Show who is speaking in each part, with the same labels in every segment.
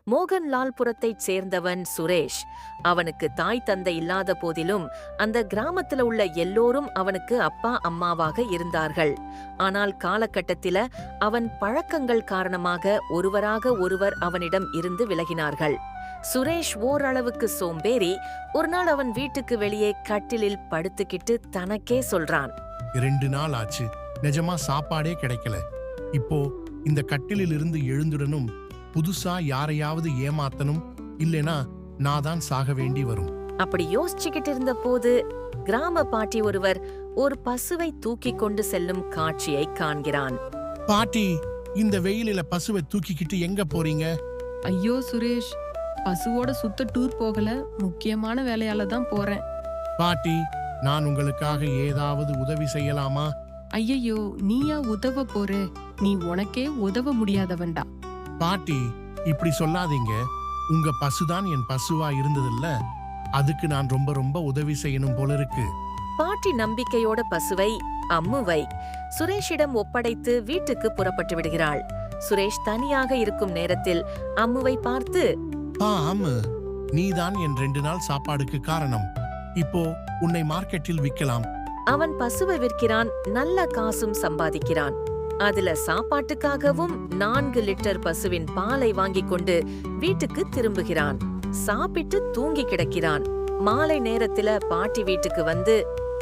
Speaker 1: மோகன்லால்புரத்தைச் சேர்ந்தவன் சுரேஷ். அவனுக்கு தாய் தந்தை இல்லாத போதிலும் அந்த கிராமத்துல உள்ள எல்லோரும் அவனுக்கு அப்பா அம்மாவாக இருந்தார்கள். ஆனால் காலகட்டத்தில அவன் பழக்கங்கள் காரணமாக ஒருவராக ஒருவர் அவனிடம் இருந்து விலகினார்கள். சுரேஷ் ஓரளவுக்கு சோம்பேறி. ஒரு நாள் அவன் வீட்டுக்கு வெளியே கட்டிலில் படுத்துக்கிட்டு தனக்கே சொல்றான்,
Speaker 2: 2 நாள் ஆச்சு, நிஜமா சாப்பாடே கிடைக்கல. இப்போ இந்த கட்டிலில் இருந்து எழுந்துடனும், புதுசா யாரையாவது ஏமாத்தனும், இல்லனா நான் தான் சாக வேண்டி வரும்.
Speaker 1: அப்படி யோசிச்சுக்கிட்டு இருந்த போது கிராம பாட்டி ஒருவர் ஒரு பசுவை தூக்கி கொண்டு செல்லும் காட்சியை காண்கிறான்.
Speaker 2: பாட்டி, இந்த வெயிலில பசுவை தூக்கிக்கிட்டு எங்க போறீங்க?
Speaker 3: ஐயோ சுரேஷ், பசுவோட சுத்த டூர் போகல, முக்கியமான வேலையால தான் போறேன்.
Speaker 2: பாட்டி, நான் உங்களுக்காக ஏதாவது உதவி செய்யலாமா?
Speaker 3: ஐயையோ, நீயா உதவ போற? நீ உனக்கே உதவ முடியாதவன்டா.
Speaker 2: பாட்டி, இப்படி சொல்லாதீங்க. உங்க பசுதான் என் பசுவா இருந்ததில்ல, அதுக்கு நான் ரொம்ப ரொம்ப உதவி செய்யணும் போல இருக்கு.
Speaker 1: பாட்டி நம்பிக்கையோட பசுவை அம்முவை சுரேஷிடம் ஒப்படைத்து வீட்டுக்கு புறப்பட்டு விடுகிறாள். சுரேஷ் தனியாக இருக்கும் நேரத்தில் அம்முவை பார்த்து,
Speaker 2: அம்மு, நீதான் என் 2 நாள் சாப்பாடுக்கு காரணம். இப்போ உன்னை மார்க்கெட்டில் விற்கலாம்.
Speaker 1: அவன் பசுவை விற்கிறான், நல்ல காசும் சம்பாதிக்கிறான். அதுல சாப்பாட்டுக்காகவும் 4 லிட்டர் பசுவின் பாலை வாங்கிக் கொண்டு வீட்டுக்கு திரும்புகிறான். சாப்பிட்டு தூங்கி கிடக்கிறான். மாலை நேரத்துல பாட்டி வீட்டுக்கு வந்து,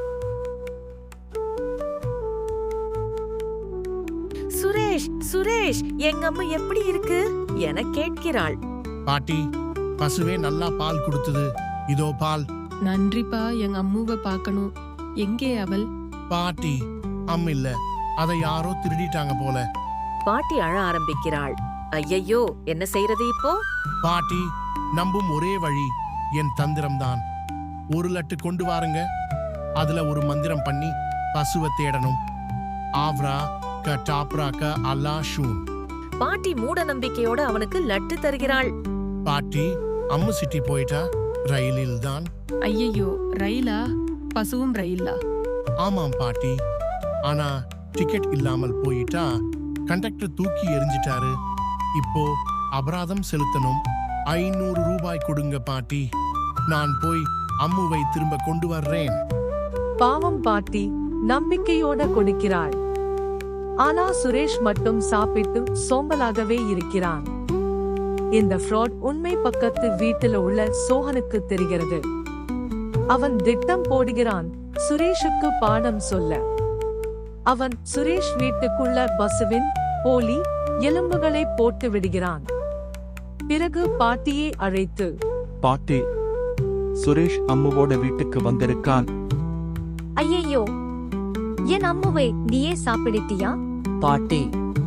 Speaker 1: சுரேஷ் சுரேஷ், எங்க அம்மா எப்படி இருக்கு என கேட்கிறாள்.
Speaker 2: பாட்டி, பசுவே நல்லா பால் கொடுத்தது, இதோ பால்.
Speaker 3: நன்றிப்பா, எங்க அம்முவை பார்க்கணும். எங்கே அவள்?
Speaker 2: பாட்டி, இல்ல, அதை யாரோ திருடிட்டாங்க போல.
Speaker 1: பாட்டி அழ ஆரம்பிக்கிறாள். ஐயையோ, என்ன செய்யறது இப்போ?
Speaker 2: பாட்டி, நம்பும் ஒரே வழி என் தந்திரம்தான். 1 லட்டு கொண்டு வாருங்க. அதுல ஒரு மந்திரம் பண்ணி பசுவை தேடணும். ஆவ்ரா க டாப்ரா க அல்லா ஷூன்.
Speaker 1: பாட்டி மூட நம்பிக்கையோட அவனுக்கு லட்டு தருகிறாள்.
Speaker 2: பாட்டி, அம்மு சிட்டி போயிட்டா, ரயிலில் தான்.
Speaker 3: ஐயையோ, ரயிலா? பசுவும் ரயிலா?
Speaker 2: ஆமாம் பாட்டி, ஆனா டிக்கெட் இல்லாமல் போயிட்டா. கண்டக்டர் தூக்கி எரிஞ்சிட்டாரு. இப்போ அபராதம் செலுத்தணும். 500 ரூபாய் கொடுங்க பாட்டி. நான் போய் அம்முவை திரும்ப கொண்டு வர்றேன்.
Speaker 4: பாவம் பாட்டி நம்பிக்கையோட கொடுக்கிறாள். ஆனா சுரேஷ் மட்டும் சாப்பிட்டு சோம்பலாகவே இருக்கிறான். இந்த ஃப்ராட் உண்மை பக்கத்து வீட்டில் உள்ள சோஹனுக்கு தெரிகிறது. அவன் திட்டம் போடுகிறான் சுரேஷுக்கு பாடம் சொல்ல. அவன் சுரேஷ் வீட்டுக்குள்ள பசுவின் போலி எலும்புகளை போட்டு விடுகிறான். பிறகு பாட்டியை அழைத்து,
Speaker 5: பாட்டி, சுரேஷ் அம்முவோட வீட்டுக்கு வந்திருக்கான்.
Speaker 6: ஐயையோ, என் அம்முவை நீயே சாப்பிடுத்தியா?
Speaker 7: பாட்டி,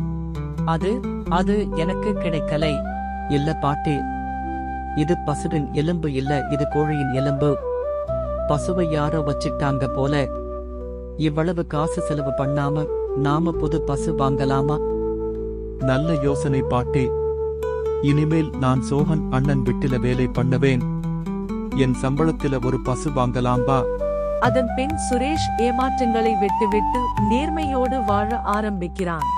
Speaker 7: அது எனக்கு கிடைக்கலை. இல்ல பாட்டி, இது பசுவின் எலும்பு இல்ல, இது கோழியின் எலும்பு. பசுவை யாரோ வச்சிட்டாங்க போல. இவ்வளவு காசு செலவு பண்ணாம நாம புது பசு வாங்கலாமா?
Speaker 5: நல்ல யோசனை பாட்டி. இனிமேல் நான் சோஹன் அண்ணன் வீட்டில வேலை பண்ணுவேன். என் சம்பளத்தில ஒரு பசு வாங்கலாம் வா.
Speaker 4: அதன் பின் சுரேஷ் ஏமாற்றங்களை விட்டுவிட்டு நேர்மையோடு வாழ ஆரம்பிக்கிறான்.